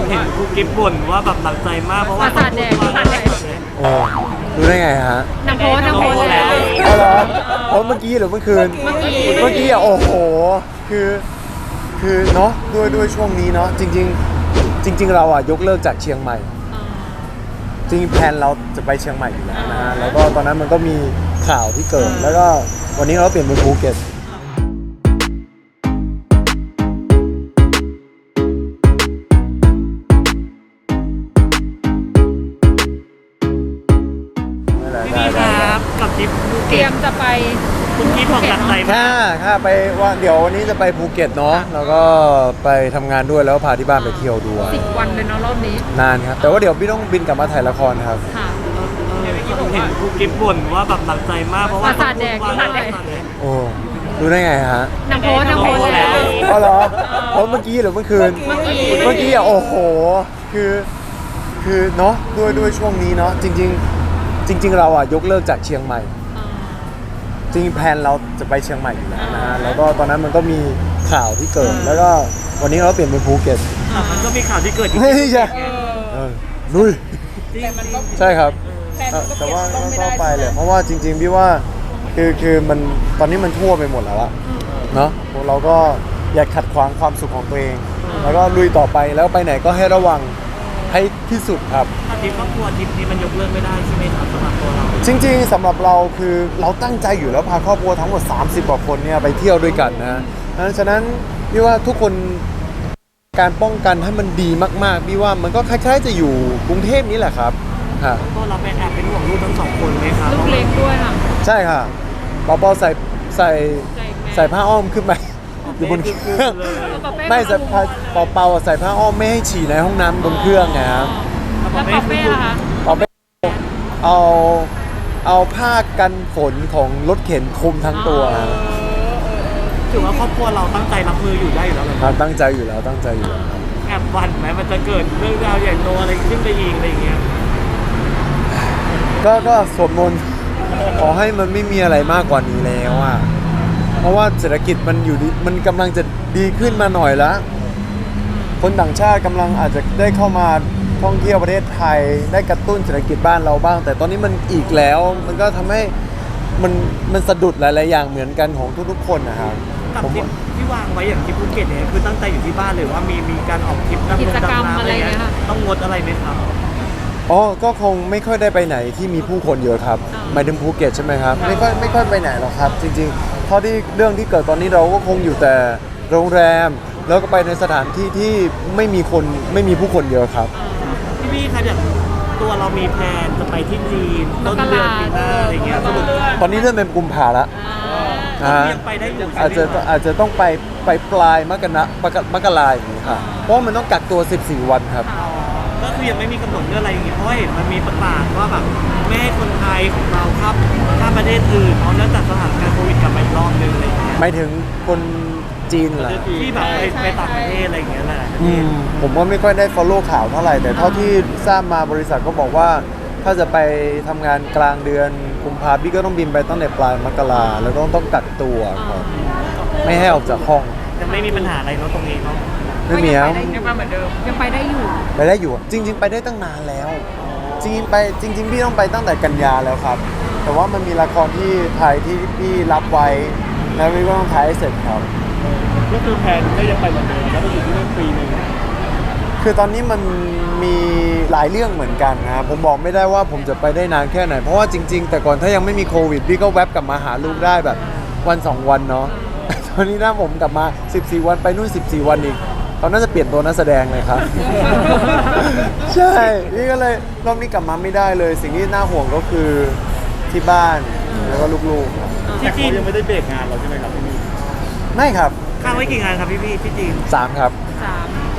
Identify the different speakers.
Speaker 1: เห็นครูกิฟบ่นว่าแบบหนักใจมากเพราะว่า
Speaker 2: ประสาทแดง
Speaker 3: โอ้รู้ได้ไงฮะ
Speaker 2: นางโพสแล้ว
Speaker 3: อ๋อเหรอโอ้เมื่อกี้หรือเมื่อคืน เมื่อกี้อ่ะโอ้โหคือเนาะด้วยช่วงนี้เนาะจริงเราอ่ะยกเลิกจากเชียงใหม่ จริงๆแพลนเราจะไปเชียงใหม่อยู่แล้วนะฮะแล้วก็ตอนนั้นมันก็มีข่าวที่เกิดแล้วก็วันนี้เราเปลี่ยนเป็นภูเก็ต
Speaker 1: พี่ครับกับทริปภู
Speaker 2: เตรี
Speaker 1: เก็
Speaker 2: ย
Speaker 1: ต
Speaker 2: มจะไป
Speaker 1: คุณพี่บอกหนักใจมาก
Speaker 3: ค่ะไปว่าเดี๋ยววันนี้จะไปภูเก็ตเนาะแล้วก็ไปทำงานด้วยแล้วพาที่บ้านไปเที่ยวด้วย
Speaker 2: 10 วันเลยเนาะรอบนี้
Speaker 3: นานครับแต่ว่าเดี๋ยวพี่ต้องบินกลับมาถ่ายละครครับ
Speaker 2: ค่ะ
Speaker 1: เห็นครูกิฟบ่นว่าแบบหนักใจมากเพราะว่า
Speaker 2: ประสาทแดง
Speaker 3: โอ้รู้ได้ไงฮะ
Speaker 2: นางโพสแล้ว
Speaker 3: อ๋อเหรอโอ้เมื่อกี้หรือเมื่อคืน เมื่อกี้อ่ะโอ้โหคือเนาะด้วยช่วงนี้เนาะจริงเราอ่ะยกเลิกจากเชียงใหม่ จริงแพลนเราจะไปเชียงใหม่อยู่แล้วนะฮะแล้วก็ตอนนั้นมันก็มีข่าวที่เกิดแล้วก็วันนี้เราเปลี่ยนเป็นภูเก็ต
Speaker 1: มันก็มีข่าวที่เกิด
Speaker 3: ไม่ใช่ลุย
Speaker 1: จริง
Speaker 3: ใช่ครับแต่ว่าก็ไปเลยเพราะว่าจริงๆพี่ว่าคือมันตอนนี้มันทั่วไปหมดแล้วอะเนาะเราก็อย่าขัดขวางความสุขของตัวเอง แล้วก็ลุยต่อไปแล้วไปไหนก็ให้ระวังให้ที่สุดครับ
Speaker 1: ทริปครอบครัวทริปนี้มันยกเลิกไม่ได้ใช่ไหมครับสำหรับตัวเรา
Speaker 3: จริงๆสำหรับเราคือเราตั้งใจอยู่แล้วพาครอบครัวทั้งหมด30 กว่าคนเนี่ยไปเที่ยวด้วยกันนะฉะนั้นพี่ว่าทุกคนการป้องกันให้มันดีมากๆพี่ว่ามันก็คล้ายๆจะอยู่กรุงเทพนี้แหละครับฮะ
Speaker 1: ตัวเราเป็นแอบเป็นห่วงลูกทั้งสองคนไหมครับ
Speaker 2: ลูกเล็กด้วยค่ะ
Speaker 3: ใช่ค่ะเปาๆใส่ผ้าอ้อมขึ้นไปอยู่บนเครื่องไม่ใส่เปาๆใส่ผ้าอ้อมไม่ให้ฉี่ในห้องน้ำบนเครื่องไงครับ
Speaker 2: แล้วปอเป้ล่ะคะ
Speaker 3: เปาเป้เอาผ้ากันฝนของรถเข็นคลุมทั้งตัวครับ
Speaker 1: ถือว่าครอบครัวเราตั้งใจรับมืออยู่ได้อยู่แล้วเลย
Speaker 3: ครับตั้งใจอยู่แล้วครับ
Speaker 1: แอบหวั่นไหมมันจะเกิดเรื่องราวใหญ่โตอะไรขึ้นไปอีกอะไรอย่างเงี้ย
Speaker 3: ก็สวดมนต์ขอให้มันไม่มีอะไรมากกว่านี้แล้วอ่ะเพราะว่าเศรษฐกิจมันอยู่ดีมันกำลังจะดีขึ้นมาหน่อยแล้วคนต่างชาติกำลังอาจจะได้เข้ามาท่องเที่ยวประเทศไทยได้กระตุ้นเศรษฐกิจบ้านเราบ้าง แต่ตอนนี้มันอีกแล้วมันก็ทำให้มันสะดุดหลายๆอย่างเหมือนกันของทุกๆคนนะครับ
Speaker 1: กับ
Speaker 3: ผม
Speaker 1: ทริปที่วางไว้อย่างที่ภูเก็ตเนี่ยคือตั้งใจอยู่ที่บ้านเลยว่ามีการออกทริปดำ
Speaker 2: กิ
Speaker 1: น้ำ
Speaker 2: จกรรม
Speaker 1: ดำน้ำ
Speaker 2: อะ
Speaker 1: อะไร ไร
Speaker 2: เงี้
Speaker 1: เงี้
Speaker 2: ย
Speaker 1: ย
Speaker 2: ค่ะ
Speaker 1: ต้องงดอะไรไหมครับ
Speaker 3: อ๋อก็คงไม่ค่อยได้ไปไหนที่มีผู้คนเยอะครับหมายถึงภูเก็ตใช่ไหมครับไม่ค่อยไปไหนหรอกครับ จริงๆเท่าที่เรื่องที่เกิดตอนนี้เราก็คงอยู่แต่โรงแรม แล้วก็ไปในสถานที่ที่ไม่มีผู้คนเยอะครับ
Speaker 1: พี่ครับอย่างตัวเรามีแพลนจะไปที่จีนต้นเดือนปีหน้าอะไรเงี้ยสรุป
Speaker 3: ตอนนี้เริ่มเป็นกุมภาละ
Speaker 1: ยังไปได้อยู่ใช่
Speaker 3: อาจ
Speaker 1: ไหม
Speaker 3: จะ
Speaker 1: ครับ
Speaker 3: อาจจะต้องไปปลายมกราอย่างนี้ค่ะเพราะว่ามันต้องกักตัว 14 วันครับ
Speaker 1: ก็คือยังไม่มีกำหนดเรื่องอะไรอย่างงี้เพราะว่าเห็นมันมีประกาศว่าแบบไม่ให้คนไทยของเราข้ามประเทศอื่นเพราะเนื่องจากสถานการณ์โควิดกลับมาอีกรอบนึงอะไรอย่างเงี้ย
Speaker 3: ไม่ถึงคนจีนเหรอ
Speaker 1: ที่แบบไปต่างประเทศอะไรอย่างเงี้ยแหละ
Speaker 3: ผมก็ไม่ค่อยได้ follow ข่าวเท่าไหร่ แต่เท่าที่ทราบมาบริษัทก็บอกว่า ถ้าจะไปทำงานกลางเดือนกุมภาพันธ์พี่ก็ต้องบินไปตั้งแต่ปลายมกราแล้วก็ต้องกักตัวครับไม่ให้ออกจากห้อง
Speaker 1: ยังไม่มีปัญหาอะไรเนาะตรงนี้เนาะ
Speaker 3: ไม่มีครับ
Speaker 2: ยังมาเหมือนเดิมยังไปได้อยู่
Speaker 3: ไปได้อยู่จริง ๆ ไปได้ตั้งนานแล้ว จริงพี่ต้องไปตั้งแต่กันยาแล้วครับ แต่ว่ามันมีละครที่ไทยที่พี่รับไว้แล้วพี่ก็ต้องถ่ายให้เสร็จครับ
Speaker 1: ก็คือแผนก็ยังไปเหมือนเดิมแล้วก็อยู่ที่นั่นปีนึง
Speaker 3: คือตอนนี้มันมีหลายเรื่องเหมือนกันนะครับผมบอกไม่ได้ว่าผมจะไปได้นานแค่ไหน เพราะว่าจริง ๆ แต่ก่อนถ้ายังไม่มีโควิดพี่ก็แวบกลับมาหาลูกได้แบบวัน2 วันเนาะ ตอนนี้นะผมกลับมา14 วันไปนู่น14 วันอีกเขาน่าจะเปลี่ยนตัวนักแสดงเลยครับ ใช่นี่ก็เลยรอบนี้กลับมาไม่ได้เลย สิ่งที่น่าห่วงก็คือที่บ้านแล้วก็ลูกๆครับ
Speaker 1: ที่จีนยังไม่ได้เบรกงานเราใช่ไหมครับพี่มี
Speaker 3: ไม่ครับ
Speaker 1: ค้างไว้กี่งานครับพี่ที่จีน
Speaker 3: 3 ครับ
Speaker 2: 3